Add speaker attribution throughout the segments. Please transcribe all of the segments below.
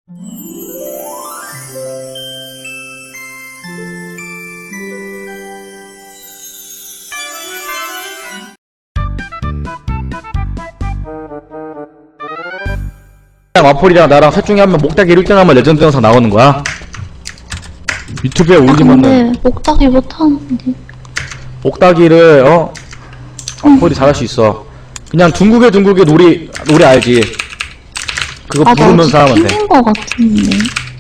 Speaker 1: 마폴이랑 나랑 셋 중에 한 명 목닥이 1등 하면 레전드 영상 나오는 거야. 유튜브에 올리면은.
Speaker 2: 근데 목닥이 못하는데.
Speaker 1: 목닥이를 마폴이 잘할 수 있어. 그냥 둥국에 놀이 알지? 그거 부르면서 하면 돼.
Speaker 2: 튕긴 거 같은데.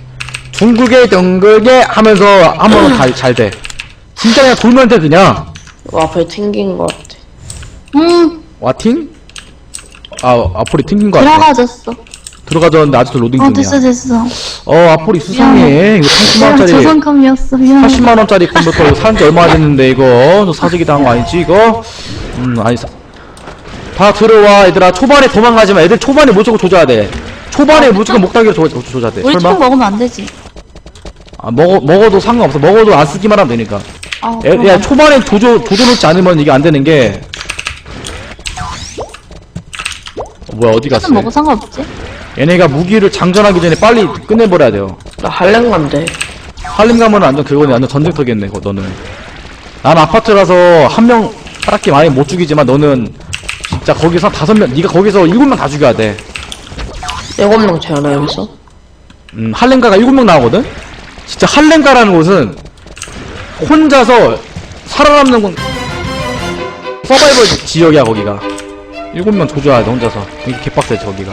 Speaker 1: 둥국에 하면서 하면 잘 돼. 진짜 그냥 돌면 돼 그냥.
Speaker 3: 앞에 튕긴 거 같아.
Speaker 1: 와팅? 아폴이 튕긴 거 같아.
Speaker 2: 들어가졌어.
Speaker 1: 들어가졌는데 아직도 로딩 중이야.
Speaker 2: 됐어.
Speaker 1: 아폴이 수상해. 이거 30만원짜리.
Speaker 2: 저성감이었어. 미안해.
Speaker 1: 80만원짜리 컴퓨터 이거 산지 얼마 됐는데 이거 사재기 당한 거 아니지 이거? 아니 다 들어와 얘들아. 초반에 도망가지마. 애들 초반에 무조건 조져야 돼. 초반에 무조건 목닥이로 조져야 돼.
Speaker 2: 우리
Speaker 1: 설마?
Speaker 2: 총 먹으면 안 되지.
Speaker 1: 먹어도 상관없어. 먹어도 안 쓰기만 하면 되니까. 야 초반에 조져놓지 않으면 이게 안 되는 게. 뭐야 어디 갔어?
Speaker 2: 먹어 상관없지?
Speaker 1: 얘네가 무기를 장전하기 전에 빨리 끝내버려야 돼요.
Speaker 3: 나 할렘 간대.
Speaker 1: 할림 가면 완전 그거네. 완전 전쟁터겠네 너는. 난 아파트라서 한 명 딱히 많이 못 죽이지만 너는 진짜 거기서 5명, 네가 거기서 7명 다 죽여야 돼.
Speaker 3: 7명 채워놔 여기서.
Speaker 1: 할렘가가 7명 나오거든? 진짜 할렘가라는 곳은 혼자서 살아남는 건 서바이벌 지역이야 거기가. 7명 조져야 돼 혼자서. 이게 개빡세지 거기가.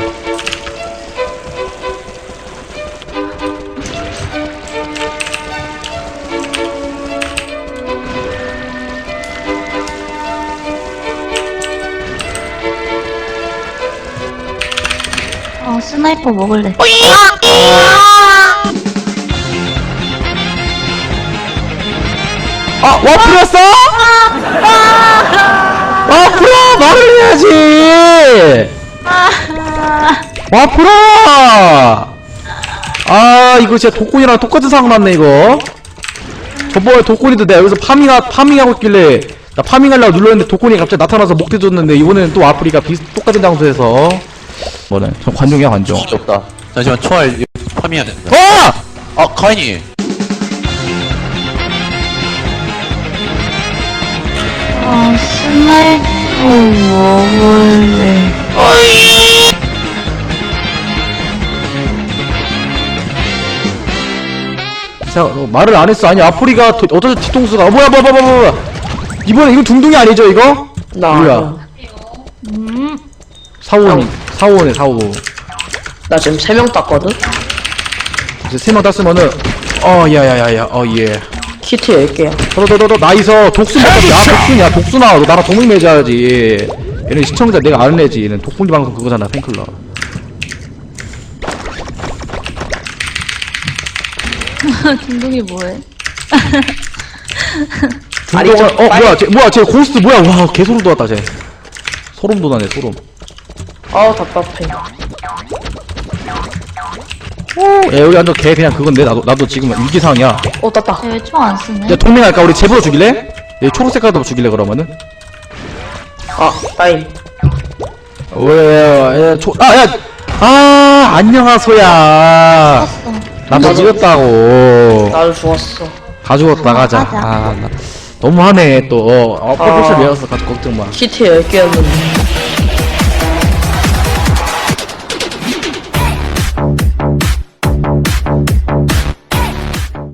Speaker 2: 스나이퍼 먹을래.
Speaker 1: 와플이었어? 와플아 말을 해야지. 와플아. 이거 진짜 독곤이랑 똑같은 상황 났네 이거. 저번에 독곤이도 내가 여기서 파밍하고 있길래 나 파밍하려고 눌렀는데 독곤이 갑자기 나타나서 목대줬는데 이번에는 또 와플이가 똑같은 장소에서 뭐네 저 관종이야 관종.
Speaker 4: 없다. 잠시만 총알 파밍해야 된다. 카인이.
Speaker 2: 스나이퍼 먹을래.
Speaker 1: 자, 말을 안 했어. 아니, 아프리가 어쩌서 뒤통수가. 뭐야. 이번에 이거 둥둥이 아니죠, 이거?
Speaker 3: 나
Speaker 1: 뭐야?
Speaker 3: 아니야.
Speaker 1: 4호네, 4호.
Speaker 3: 나 지금 3명 땄거든?
Speaker 1: 이제 3명 땄으면은, 야야야야, 예.
Speaker 3: 키트 10개야.
Speaker 1: 너, 나이서 독순 독순이야, 독순아. 너 나랑 동맹 맺어야지. 얘는 시청자 내가 아는 애지. 얘는 독분기 방송 그거잖아, 팬클럽.
Speaker 2: 중동이 뭐해?
Speaker 1: 뭐야, 쟤 고스트 뭐야, 와, 개소름 돋았다, 쟤. 소름 돋아네, 소름.
Speaker 3: 답답해.
Speaker 1: 야, 여기 완전 개 그냥 그건데, 나도 지금 위기상황이야.
Speaker 3: 땄다.
Speaker 2: 왜 총 안 쓰네?
Speaker 1: 야, 동맹할까? 우리 제보로 죽일래? 얘 초록색 카드 죽일래, 그러면은?
Speaker 3: 따임.
Speaker 1: 안녕하소야. 나도 죽였다고.
Speaker 3: 나도 죽었어.
Speaker 1: 다 죽었다, 가자. 너무하네, 또. 퍼플샷 외웠어, 걱정 마.
Speaker 3: 키트 10개였는데.